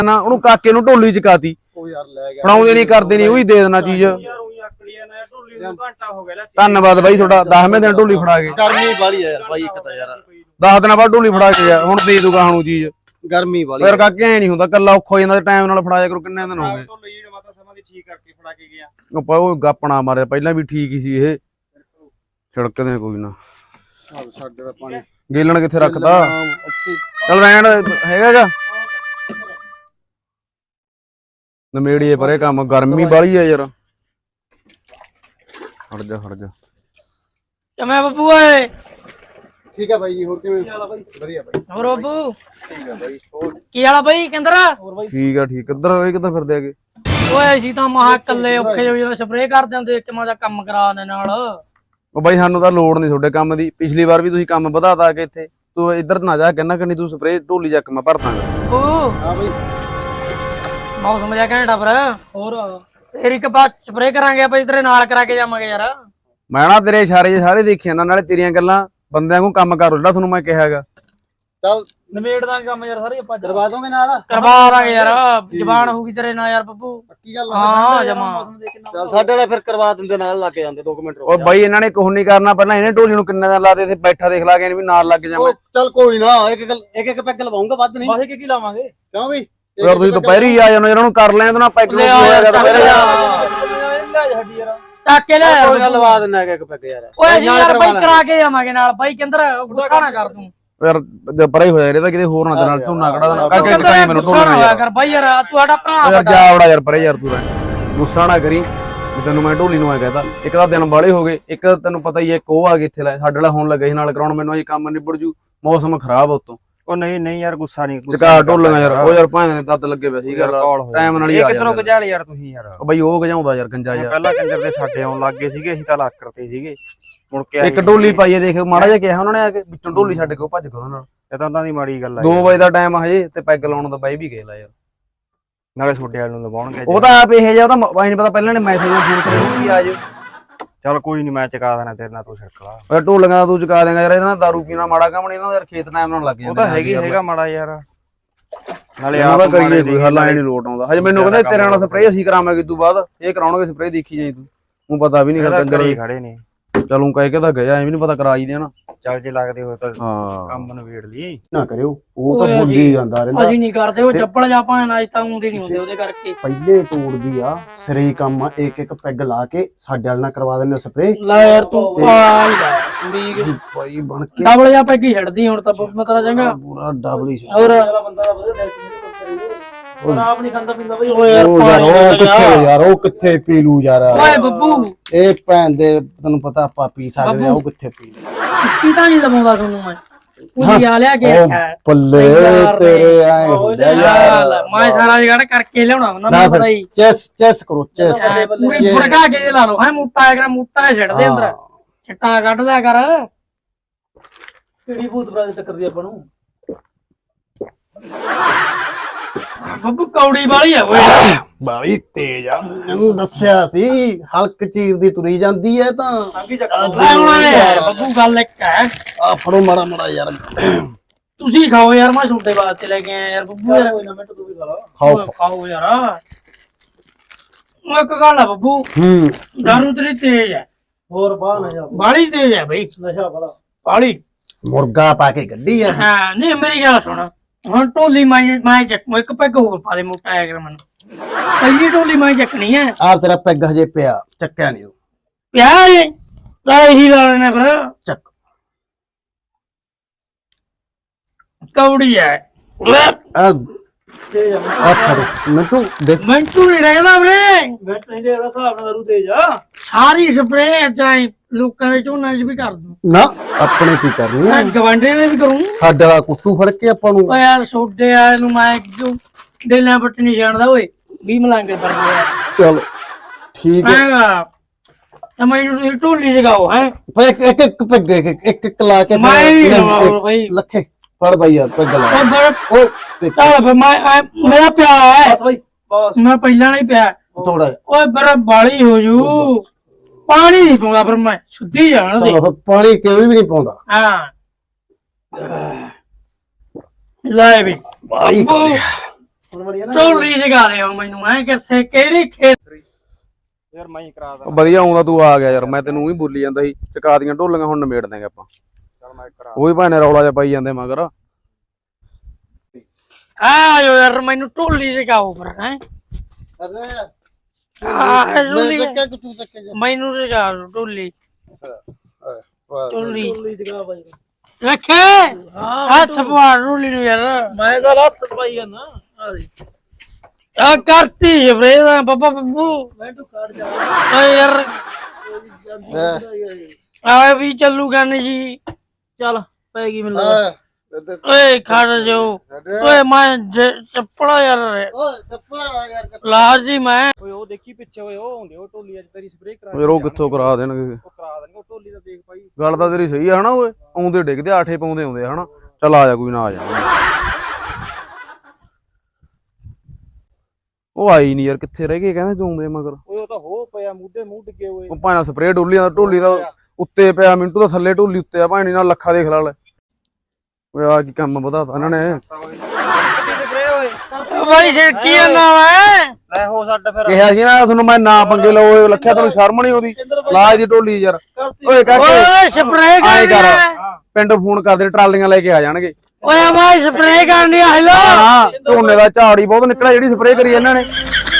ਨਾ ਉਹਨੂੰ ਕਾਕੇ ਨੂੰ ਢੋਲੀ ਚਕਾਤੀ ਉਹ ਯਾਰ ਲੈ ਗਿਆ ਫੜਾਉਂਦੇ ਨਹੀਂ ਕਰਦੇ ਨਹੀਂ ਉਹੀ ਦੇ ਦੇਣਾ ਚੀਜ਼। ਘੰਟਾ ਹੋ ਗਿਆ ਧੰਨਵਾਦ ਬਾਈ ਤੁਹਾਡਾ 10ਵੇਂ ਦਿਨ ਢੋਲੀ ਫੜਾ ਕੇ। ਗਰਮੀ ਵਾਲੀ ਯਾਰ ਬਾਈ ਇੱਕ ਤਾਂ ਯਾਰ 10 ਦਿਨਾਂ ਬਾਅਦ ਢੋਲੀ ਫੜਾ ਕੇ ਗਿਆ ਹੁਣ ਦੇ ਦੂਗਾ ਹੁਣ ਚੀਜ਼। ਗਰਮੀ ਵਾਲੀ ਫਿਰ ਕਾਕੇ ਐ ਨਹੀਂ ਹੁੰਦਾ ਕੱਲਾ ਔਖਾ ਹੋ ਜਾਂਦਾ ਟਾਈਮ ਨਾਲ ਫੜਾਇਆ ਕਰੋ। ਕਿੰਨੇ ਦਿਨ ਹੋ ਗਏ ਸਮਾਂ ਦੀ ਠੀਕ ਕਰਕੇ ਫੜਾ ਕੇ ਗਿਆ। ਉਹ ਗਾਪਣਾ ਮਾਰਿਆ ਪਹਿਲਾਂ ਵੀ ਠੀਕ ਹੀ ਸੀ ਇਹ ਛਿੜਕਦੇ ਕੋਈ ਨਾ। ਸਾਡੇ ਦਾ ਪਾਣੀ ਗੇਲਣ ਕਿੱਥੇ ਰੱਖਦਾ ਚੱਲ ਰਹਿਣ ਹੈਗਾ ਗਾ ਨਮੇੜੀਏ ਪਰੇ ਕੰਮ ਗਰਮੀ ਬਾਹਲੀ ਆ ਯਾਰ। ਹਟ ਜਾ ਕਿਵੇਂ ਬੱਬੂ ਓਏ? ਠੀਕ ਆ ਬਾਈ ਜੀ। ਹੋਰ ਕਿਵੇਂ ਵਧੀਆ ਬਾਈ। ਹੋਰ ਬੱਬੂ ਠੀਕ ਆ ਬਾਈ। ਹੋਰ ਕੀ ਹਾਲਾ ਬਾਈ ਕਿੰਦਰ? ਠੀਕ ਆ ਠੀਕ ਕਿੱਧਰ ਫਿਰਦੇ ਆਗੇ? ਓਏ ਅਸੀਂ ਤਾਂ ਮਹਾ ਇਕੱਲੇ ਔਖੇ ਜੋ ਜਦੋਂ ਸਪਰੇਅ ਕਰਦੇ ਹੁੰਦੇ ਇੱਕ ਮਾਂ ਦਾ ਕੰਮ ਕਰਾ ਦੇ ਨਾਲ। ਉਹ ਬਾਈ ਸਾਨੂੰ ਤਾਂ ਲੋੜ ਨਹੀਂ ਤੁਹਾਡੇ ਕੰਮ ਦੀ। ਪਿਛਲੀ ਵਾਰ ਵੀ ਤੁਸੀਂ ਕੰਮ ਵਧਾਤਾ ਆ ਕੇ ਇੱਥੇ। ਤੂੰ ਇੱਧਰ ਨਾ ਜਾ ਕਹਿੰਦਾ ਕਿ ਨਹੀਂ ਤੂੰ ਸਪਰੇਅ ਢੋਲੀ ਚੱਕ ਮੈਂ ਭਰ ਦਾਂਗਾ। ਓ ਹਾਂ ਬਾਈ ਮੌਸਮ ਜਿਹਾ ਘੈਂਟਾ ਪਰ ਹੋਰ ਫੇਰ ਇੱਕ ਬਾਅਦ ਸਪਰੇਅ ਕਰਾਂਗੇ ਆਪਾਂ ਤੇਰੇ ਨਾਲ ਕਰਾ ਕੇ ਜਾਵਾਂਗੇ ਯਾਰ। ਮੈਂ ਨਾ ਤੇਰੇ ਇਸ਼ਾਰੇ ਸਾਰੇ ਦੇਖੇ ਨਾ ਨਾਲੇ ਤੇਰੀਆਂ ਗੱਲਾਂ ਬੰਦਿਆਂ ਨੂੰ ਕੰਮ ਕਰੋ ਜਿਹੜਾ ਤੁਹਾਨੂੰ ਮੈਂ ਕਿਹਾ ਹੈਗਾ। ਚੱਲ ਨਵੇੜ ਦਾਂਗੇ ਕੰਮ ਯਾਰ ਸਾਰੇ ਆਪਾਂ ਕਰਵਾ ਦੋਗੇ ਨਾਲ ਕਰਵਾ ਦਾਂਗੇ ਯਾਰ। ਜ਼ਬਾਨ ਹੋਊਗੀ ਤੇਰੇ ਨਾਲ ਯਾਰ ਬੱਬੂ। ਪੱਕੀ ਗੱਲ ਹਾਂ ਜਮਾ। ਚੱਲ ਸਾਡੇ ਵਾਲਾ ਫਿਰ ਕਰਵਾ ਦਿੰਦੇ ਨਾਲ ਲੱਗ ਜਾਂਦੇ 2 ਮਿੰਟ ਉਹ ਬਾਈ ਇਹਨਾਂ ਨੇ ਕੁਝ ਨਹੀਂ ਕਰਨਾ ਪਹਿਲਾਂ ਇਹਨੇ ਢੋਲੀ ਨੂੰ ਕਿੰਨੇ ਦਿਨ ਲਾਦੇ ਤੇ ਬੈਠਾ ਦੇਖ ਲਾ ਕੇ ਵੀ ਨਾਲ ਲੱਗ ਜਾਵਾਂ। ਚੱਲ ਕੋਈ ਨਾ ਇੱਕ ਪੈਗ ਲਵਾਉਂਗਾ ਵੱਧ ਨਹੀਂ। ਵਾਹੇ ਕੀ ਲਾਵਾਂਗੇ ਕਿਉਂ ਬਈ ਯਾਰ ਤੁਸੀਂ ਦੁਪਹਿਰੀ ਆ ਜਾਣਾ ਇਹਨਾਂ ਨੂੰ ਕਰ ਲੈਣ ਨਾ ਪੈਗ ਨੂੰ ਹੋਇਆ ਦੁਪਹਿਰੇ ਹੱਡੀ ਯਾਰ ਚੱਕ ਕੇ ਲੈ ਕੋਈ ਨਾ ਲਵਾ ਦਿੰਦਾ ਇੱਕ ਪੈਗ ਯਾਰ। ਓਏ ਅਸੀਂ ਯਾਰ ਬਾਈ ਕਰਾ ਕੇ ਜਾਵਾਂਗੇ ਨਾਲ ਬਾਈ ਕਿੰਦਰ ਗੁੱਸਾ ਨਾ ਕਰ ਤੂੰ ਯਾਰ ਪਰੇ ਹੋ ਜਾ ਇਹਦਾ ਕਿਤੇ ਹੋਰ ਨਾ ਨਾਲ ਝੋਨਾ ਕੜਾ ਦੇਣਾ ਕਰਕੇ ਟਾਈਮ ਮੈਨੂੰ ਗੁੱਸਾ ਨਾ ਹੋਇਆ ਕਰ ਬਾਈ ਯਾਰ ਤੂੰ ਸਾਡਾ ਭਰਾ ਯਾਰ ਜਾ ਵੜਾ ਯਾਰ ਪਰੇ ਯਾਰ ਤੂੰ ਗੁੱਸਾ ਨਾ ਕਰੀ ਵੀ ਤੈਨੂੰ ਮੈਂ ਢੋਲੀ ਨੂੰ ਆ ਕਹਤਾ। ਇੱਕ ਤਾਂ ਦਿਨ ਬਾਲੇ ਹੋ ਗਏ ਇੱਕ ਤੈਨੂੰ ਪਤਾ ਹੀ ਹੈ ਇੱਕ ਉਹ ਆ ਗਏ ਇੱਥੇ ਲੈ ਸਾਡੇ ਵਾਲਾ ਹੋਣ ਲੱਗਾ ਸੀ ਨਾਲ ਕਰਾਉਣ ਮੈਨੂੰ ਅਜੇ ਕੰਮ ਨਿਬੜ ਜੂ ਮੌਸਮ ਖਰਾਬ ਉਤੋਂ। ਉਹ ਨਹੀਂ ਯਾਰ ਗੁੱਸਾ ਨਹੀਂ ਚਕਾ ਢੋਲੀਆਂ ਯਾਰ ਉਹ ਯਾਰ ਭਾਂ ਨੇ ਦੱਦ ਲੱਗੇ ਪਏ ਸੀ ਗੱਲ ਟਾਈਮ ਨਾਲ ਹੀ ਆ ਕਿਧਰੋਂ ਗਜਾਲ ਯਾਰ ਤੁਸੀਂ ਯਾਰ। ਉਹ ਬਈ ਉਹ ਗਜਾਉਂਦਾ ਯਾਰ ਗੰਜਾ ਯਾਰ ਪਹਿਲਾਂ ਕੰਜਰ ਦੇ ਸਾਡੇ ਆਉਣ ਲੱਗ ਗਏ ਸੀਗੇ ਅਸੀਂ ਤਾਂ ਲੱਕ ਕਰਤੇ ਸੀਗੇ ਮੁੜ ਕੇ ਇੱਕ ਢੋਲੀ ਪਾਈਏ ਦੇਖ ਮਾੜਾ ਜਿਹਾ ਕਿਹਾ ਉਹਨਾਂ ਨੇ ਆ ਕੇ ਵਿੱਚੋਂ ਢੋਲੀ ਛੱਡ ਕੇ ਉਹ ਭੱਜ ਗਏ ਉਹਨਾਂ ਨਾਲ। ਇਹ ਤਾਂ ਉਹਨਾਂ ਦੀ ਮਾੜੀ ਗੱਲ ਆ 2 ਵਜੇ ਦਾ ਟਾਈਮ ਹਜੇ ਤੇ ਪੈਗ ਲਾਉਣ ਦਾ ਬਾਈ ਵੀ ਗਏ ਲਾ ਯਾਰ। ਨਾਲੇ ਛੋਡੇ ਵਾਲ ਨੂੰ ਲਵਾਉਣਗੇ ਉਹ ਤਾਂ ਆਪ ਇਹ ਜਿਹਾ ਉਹਦਾ ਬਾਈ ਨਹੀਂ ਪਤਾ ਪਹਿਲਾਂ ਨੇ ਮੈਸੇਜ ਫੋਨ ਕਰਿਆ ਵੀ ਆ ਜਾਓ। ਚੱਲ ਕੋਈ ਨਹੀਂ ਮੈਂ ਚਕਾ ਦੇਣਾ ਤੇਰੇ ਨਾਲ ਤੂੰ ਛਿੜਕ ਲਾ। ਓਏ ਢੋਲੀਆਂ ਦਾ ਤੂੰ ਚੁਕਾ ਦੇਂਗਾ ਯਾਰ। ਇਹਦਾ ਨਾਲ ਦਾਰੂ ਪੀਣਾ ਮਾੜਾ ਕੰਮ ਨਹੀਂ ਇਹਨਾਂ ਦਾ ਯਾਰ ਖੇਤ ਟਾਈਮ ਨਾਲ ਲੱਗ ਜਾਂਦਾ। ਉਹ ਤਾਂ ਹੈਗਾ ਮਾੜਾ ਯਾਰ ਨਾਲੇ ਆਪ ਆਪ ਕਰੀਏ ਕੋਈ ਹੱਲ ਆਏ ਨਹੀਂ ਲੋਟ ਆਉਂਦਾ। ਹਜੇ ਮੈਨੂੰ ਕਹਿੰਦਾ ਤੇਰੇ ਨਾਲ ਸਪਰੇਅ ਅਸੀਂ ਕਰਾਵਾਂਗੇ ਤੂੰ ਬਾਅਦ ਇਹ ਕਰਾਉਣਗੇ ਸਪਰੇਅ ਦੇਖੀ ਜਾਈ ਤੂੰ ਪਤਾ ਵੀ ਨਹੀਂ ਕਰਦਾ ਅੰਦਰ ਖੜੇ ਨੇ। ਚਲੂੰ ਕਹਿ ਕੇ ਤਾਂ ਗਿਆ ਐਵੇਂ ਨਹੀਂ ਪਤਾ ਕਰਾ ਹੀ ਦੇਣਾ। ਚੱਲ ਜੇ ਲੱਗਦੇ ਹੋ ਤਾਂ ਹਾਂ ਕੰਮ ਨਵੇੜ ਲਈ ਨਾ ਕਰਿਓ ਉਹ ਤਾਂ ਭੁੱਲੀ ਜਾਂਦਾ ਰਹਿੰਦਾ। ਅਸੀਂ ਨਹੀਂ ਕਰਦੇ ਉਹ ਚੱਪਲ ਜਾਂ ਭਾਂ ਅੱਜ ਤਾਂ ਆਉਂਦੇ ਨਹੀਂ ਹੁੰਦੇ ਉਹਦੇ ਕਰਕੇ। ਪਹਿਲੇ ਤੋੜਦੀ ਆ ਸਿਰੇ ਕੰਮ ਇੱਕ ਪੈਗ ਲਾ ਕੇ ਸਾਡੇ ਵਾਲ ਨਾਲ ਕਰਵਾ ਦਿੰਦੇ ਸਪਰੇ। ਲੈ ਯਾਰ ਤੂੰ ਵੀ ਭਾਈ ਬਣ ਕੇ ਡਬਲ ਜਾਂ ਪੈਗੀ ਛੱਡਦੀ ਹੁਣ ਤਾਂ ਮਤਲਬ ਚੰਗਾ ਪੂਰਾ ਡਬਲੀ ਹੋਰ ਬੰਦਾ ਦਾ ਵਧੀਆ ਉਹ ਆਪ ਨਹੀਂ ਖਾਂਦਾ ਪੀਂਦਾ ਬਈ। ਓਏ ਯਾਰ ਉਹ ਕਿੱਥੇ ਯਾਰ ਉਹ ਕਿੱਥੇ ਪੀ ਲੂ ਯਾਰ। ਓਏ ਬੱਬੂ ਇਹ ਭੈਣ ਦੇ ਤੈਨੂੰ ਪਤਾ ਆਪਾਂ ਪੀ ਸਕਦੇ ਆ ਉਹ ਕਿੱਥੇ ਪੀ ਲੂ। ਕੀ ਤਾਂ ਨਹੀਂ ਲਵਾਉਂਦਾ ਤੁਹਾਨੂੰ ਮੈਂ ਕੁੜੀ ਆ ਲਿਆ ਕੇ ਪੱਲੇ ਤੇਰੇ ਆਏ ਹੁੰਦੇ ਯਾਰ। ਮੈਂ ਸਾਰਾ ਜਗੜ ਕਰਕੇ ਲਿਆਉਣਾ ਨਾ ਪਤਾ ਹੀ ਚੈਸ ਕਰੋ ਚੈਸ ਪੂਰੀ ਫੜਕਾ ਕੇ ਲਾ ਲਓ ਹੈ ਮੋਟਾ ਆ ਮੋਟਾ ਛੱਡ ਦੇ ਅੰਦਰ ਛੱਟਾ ਕੱਢ ਲਿਆ ਕਰ। ਕਿਹੜੀ ਭੂਤ ਬਰਾਜ ਟੱਕਰਦੀ ਆਪਾਂ ਨੂੰ। ਬੱਬੂ ਕੌੜੀ ਵਾਲੀ ਆ ਓਏ ਬਾਲੀ ਤੇਜ ਆ ਮੈਨੂੰ ਦੱਸਿਆ ਸੀ ਹਲਕ ਚੀਰ ਦੀ ਤੁਰੀ ਜਾਂਦੀ ਐ ਤਾਂ ਲੈ ਹੁਣ ਯਾਰ ਬੱਬੂ ਗੱਲ ਇੱਕ ਹੈ ਆ ਫੜੋ ਮਾੜਾ ਮਾੜਾ ਯਾਰ ਤੁਸੀਂ ਖਾਓ ਯਾਰ ਮੈਂ ਛੋਟੇ ਵਾਸਤੇ ਲੈ ਕੇ ਆਇਆ ਯਾਰ ਬੱਬੂ ਯਾਰ ਕੋਈ ਨਾ ਮਿੰਟ ਤੂੰ ਵੀ ਖਾ ਲਾ। ਖਾਓ ਖਾਓ ਯਾਰ ਇੱਕ ਗੱਲ ਆ ਬੱਬੂ ਦਾਰੂ ਤੇਰੀ ਤੇਜ਼ ਹੈ ਹੋਰ ਬਾਹ ਨਾ ਜਾ ਬਾਲੀ ਤੇਜ਼ ਹੈ ਬਈ ਨਸ਼ਾ ਬੜਾ ਬਾਲੀ ਮੁਰਗਾ ਪਾ ਕੇ ਗੱਡੀ ਆ। ਹਾਂ ਨਹੀਂ ਮੇਰੀ ਗੱਲ ਸੁਣ ਹੁਣ ਢੋਲੀ ਮੈਂ ਚੱਕੂ ਇੱਕ ਪੈਗ ਹੋਰ ਪਾ ਦੇ ਮੋਟਾ ਆਇਆ ਕਰ ਮੈਨੂੰ ਪਹਿਲੀ ਢੋਲੀ ਮੈਂ ਚੱਕਣੀ ਹੈ। ਆਪ ਤੇਰਾ ਪੈਗ ਹਜੇ ਪਿਆ ਚੱਕਿਆ ਨਹੀਂ ਉਹ ਪਿਆ ਏ ਤਾਂ ਇਹੀ ਲਾ ਲੈਣਾ ਫਿਰ ਚੱਕ ਕੌੜੀ ਹੈ ਆ ਫੜ ਮਿੰਟੂ ਦੇਖ ਮੰਟੂ ਨਹੀਂ ਰਹਿਦਾ ਵੀਰੇ ਮਿੰਟ ਨਹੀਂ ਦੇ ਹਿਸਾਬ ਨਾਲ ਦਾਰੂ ਦੇ ਜਾ। ਸਾਰੀ ਸਪਰੇ ਚਾਹੇ ਲੋਕਾਂ ਦੇ ਝੋਨਾ 'ਚ ਵੀ ਕਰ ਦੂੰ ਨਾ ਆਪਣੇ ਕੀ ਕਰਨੀ ਆ ਮੈਂ ਗਵਾਂਢੇ ਦੇ ਵੀ ਕਰੂੰ। ਸਾਡਾ ਕੁੱਟੂ ਫੜ ਕੇ ਆਪਾਂ ਨੂੰ ਓ ਯਾਰ ਛੋਡੇ ਆ ਨੂੰ ਮੈਂ ਕਿਉਂ ਡੇਲਿਆਂ ਪੱਟ ਨਹੀਂ ਜਾਣਦਾ ਓਏ 20 ਮਲਾਂਗੇ ਪਰਦੇ ਆ ਚਲ ਠੀਕ ਹੈ ਹੈਗਾ ਤਾਂ ਮੈਨੂੰ ਢੋਲੀ ਜਗਾਓ ਹੈ ਇੱਕ ਪੈਗ ਇੱਕ ਲਾ ਕੇ ਮੈਂ ਨਹੀਂ ਲਵਾਉ ਬਈ ਲੱਖੇ ਫੜ ਬਾਈ ਯਾਰ ਪੈਗ ਲਾ ਉਹ ਬੜਾ ਉਹ ਦੇਖ ਚੱਲ ਫਿਰ ਮੇਰਾ ਪਿਆ ਹੈ ਬਸ ਬਈ ਬਸ ਮੈਂ ਪਹਿਲਾਂ ਨਹੀਂ ਪਿਆ ਥੋੜਾ ਓਏ ਬੜਾ ਬਾਲੀ ਹੋ ਜੂ ਪਾਣੀ ਨਹੀਂ ਪਾਉਂਦਾ ਪਰ ਮੈਂ ਸੁੱਧੀ ਜਾਣ ਦੇ ਚਲੋ ਪਾਣੀ ਕਿਉਂ ਵੀ ਨਹੀਂ ਪਾਉਂਦਾ ਹਾਂ ਲੈ ਵੀ ਬਾਈ ਢੋਲੀ ਜਗਾ ਲਿਓ ਮੈਨੂੰ ਐ ਕਿੱਥੇ ਕਿਹੜੀ ਖੇਤ ਯਾਰ ਮੈਂ ਹੀ ਕਰਾ ਦਾਂ। ਵਧੀਆ ਆਉਂਦਾ ਤੂੰ ਆ ਗਿਆ ਯਾਰ, ਮੈਂ ਤੈਨੂੰ ਹੀ ਬੋਲੀ ਜਾਂਦਾ ਸੀ ਚਕਾ ਦੀਆਂ ਢੋਲੀਆਂ ਹੁਣ ਨਿਬੇੜ ਦਾਂਗੇ ਆਪਾਂ। ਚੱਲ ਮੈਂ ਕਰਾ ਉਹ ਵੀ ਭਾਣੇ ਰੌਲਾ ਜਿਹਾ ਪਾਈ ਜਾਂਦੇ ਮਗਰ। ਆਇਓ ਯਾਰ ਮੈਨੂੰ ਢੋਲੀ ਜਗਾਓ ਫਿਰ ਹੈ ਮੈਨੂੰ ਜਗਾ ਲਓ ਢੋਲੀ ਰੱਖੇ ਹੱਥ ਪਵਾ ਢੋਲੀ ਨੂੰ ਯਾਰ ਮੈਂ ਗੱਲ ਹੱਥ ਪਾਈ ਜਾਂਦਾ ਆ ਕਰਤੀ ਸਪਰੇ ਦਾ ਬੱਬਾ ਬੱਬੂ ਮੈਂ ਤੂੰ ਕੱਢ ਜਾ ਓਏ ਯਾਰ ਆ ਵੀ ਚੱਲੂ ਗਨ ਜੀ ਚੱਲ ਪੈ ਗਈ ਮੈਨੂੰ ਲੱਗਦਾ। ਓਏ ਖੜ ਜਾਓ ਓਏ ਮੈਂ ਚੱਪੜਾ ਯਾਰ ਲਾਜੀ ਮੈਂ ਓਏ ਉਹ ਦੇਖੀ ਪਿੱਛੇ ਓਏ ਉਹ ਆਉਂਦੇ ਉਹ ਢੋਲੀ ਅੱਜ ਤੇਰੀ ਸਪਰੇਅ ਕਰਾ ਯਾਰ ਉਹ ਕਿੱਥੋਂ ਕਰਾ ਦੇਣਗੇ, ਉਹ ਕਰਾ ਦੇਣਗੇ ਉਹ ਢੋਲੀ ਦਾ ਦੇਖ ਭਾਈ। ਗੱਲ ਤਾਂ ਤੇਰੀ ਸਹੀ ਆ ਹਨਾ। ਓਏ ਆਉਂਦੇ ਡਿੱਗਦੇ ਆਠੇ ਪਾਉਂਦੇ ਆਉਂਦੇ ਹਨਾ। ਚੱਲ ਆ ਜਾ ਕੋਈ ਨਾ ਆ ਜਾ। ਉਹ ਆਈ ਨਹੀਂ ਯਾਰ, ਕਿੱਥੇ ਰਹਿ ਗਏ ਕਹਿੰਦੇ ਤੂੰ ਆਉਂਦੇ ਮਗਰ। ਓਏ ਉਹ ਤਾਂ ਹੋ ਪਿਆ ਮੂੰਹ ਮੂੰਹ ਡਿੱਗੇ ਓਏ। ਉਹ ਭਾਣਾ ਸਪਰੇਅ ਢੋਲੀ ਦਾ ਉੱਤੇ ਪਿਆ, ਮਿੰਟੂ ਦਾ ਥੱਲੇ ਢੋਲੀ ਉੱਤੇ ਆ ਭਾਣੀ ਨਾਲ ਲੱਖਾਂ ਦੇਖ ਲਾ ਲੈ। ਓਏ ਆ ਕੀ ਕੰਮ ਵਧਾਤਾ ਇਹਨਾਂ ਨੇ। ਸਪਰੇਅ ਓਏ ਬਾਈ ਛਿੜਕੀ ਜਾਂਦਾ ਵਾ ਲੈ ਹੋ ਛੱਡ ਫਿਰ। ਕਿਹਾ ਸੀ ਨਾ ਤੁਹਾਨੂੰ ਮੈਂ ਨਾ ਪੰਗੇ ਲਓ, ਲੱਖਿਆ ਤੈਨੂੰ ਸ਼ਰਮ ਨਹੀਂ ਆਉਂਦੀ ਲਾਜ ਦੀ ਢੋਲੀ ਯਾਰ। ਓਏ ਕਾਕੇ ਓਏ ਸਪਰੇ ਆਏ ਕਰ, ਕਰ ਪਿੰਡ ਫੋਨ ਕਰਦੇ ਟਰਾਲੀਆਂ ਲੈ ਕੇ ਆ ਜਾਣਗੇ। ਓਏ ਮੈਂ ਸਪਰੇ ਕਰਨੀ ਆ ਹੈਲੋ ਹਾਂ ਝੋਨੇ ਦਾ ਝਾੜ ਹੀ ਬਹੁਤ ਨਿਕਲਿਆ ਜਿਹੜੀ ਸਪਰੇਅ ਕਰੀ ਇਹਨਾਂ ਨੇ।